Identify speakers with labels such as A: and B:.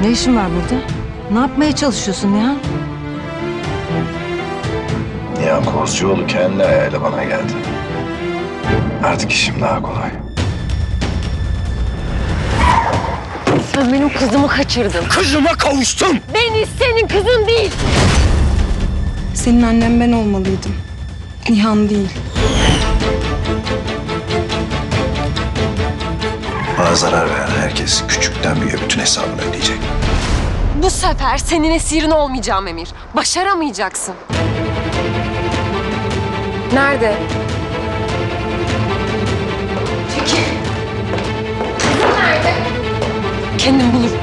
A: Ne işin var burada? Ne yapmaya çalışıyorsun Nihan?
B: Nihan Kozcuoğlu kendi ayağıyla bana geldi. Artık işim daha kolay.
C: Sen benim kızımı kaçırdın.
B: Kızıma kavuştum.
C: Beni senin kızın değil.
D: Senin annen ben olmalıydım. Nihan değil.
B: Bana zarar veren herkes küçükten büyüğe bütün hesabını ödeyecek.
C: Bu sefer senin esirin olmayacağım Emir. Başaramayacaksın. Nerede? Çekil. Kızım nerede? Kendim bulurum.